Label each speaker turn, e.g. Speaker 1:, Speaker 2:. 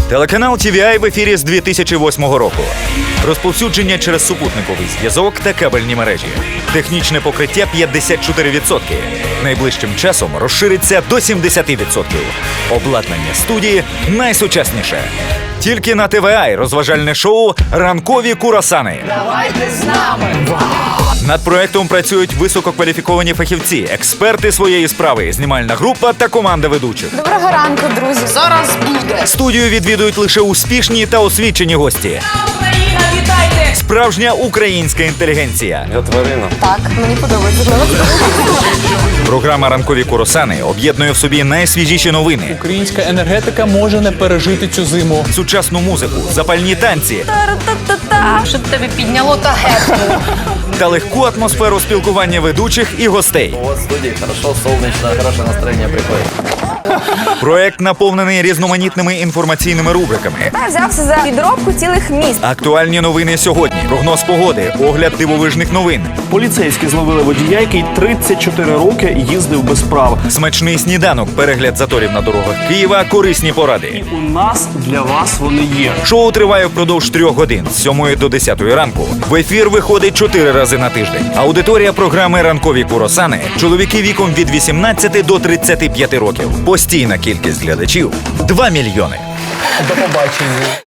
Speaker 1: Телеканал TVI в ефірі з 2008 року. Розповсюдження через супутниковий зв'язок та кабельні мережі. Технічне покриття 54%. Найближчим часом розшириться до 70%. Обладнання студії найсучасніше. Тільки на TVI розважальне шоу «Ранкові курасани».
Speaker 2: Давайте з нами!
Speaker 1: Над проектом працюють висококваліфіковані фахівці, експерти своєї справи, знімальна група та команда ведучих.
Speaker 3: Доброго ранку, друзі.
Speaker 2: Зараз буде!
Speaker 1: Студію відвідують лише успішні та освічені гості.
Speaker 2: Україна, вітайте!
Speaker 1: Справжня українська інтелігенція.
Speaker 4: Я тварина.
Speaker 3: Так, мені подобається.
Speaker 1: Програма «Ранкові курасани» об'єднує в собі найсвіжіші новини,
Speaker 5: Українська енергетика може не пережити цю зиму.
Speaker 1: сучасну музику, запальні танці
Speaker 2: Щоб тебе підняло та гепнуло.
Speaker 1: та легку атмосферу спілкування ведучих і гостей.
Speaker 4: У вас в студии хорошо, солнечно, хорошее настроение приходит.
Speaker 1: Проект наповнений різноманітними інформаційними рубриками.
Speaker 3: Я взявся за підробку цілих міст.
Speaker 1: Актуальні новини сьогодні, прогноз погоди, огляд дивовижних новин,
Speaker 6: Поліцейські зловили водія, який 34 роки їздив без прав.
Speaker 1: смачний сніданок, перегляд заторів на дорогах Києва, корисні поради.
Speaker 6: У нас для вас вони є.
Speaker 1: Шоу триває впродовж 3 годин з 7 до 10 ранку. В ефір виходить 4 рази на тиждень. Аудиторія програми «Ранкові курасани» – чоловіки віком від 18 до 35 років. Постійна кількість глядачів – 2 мільйони.
Speaker 5: До побачення.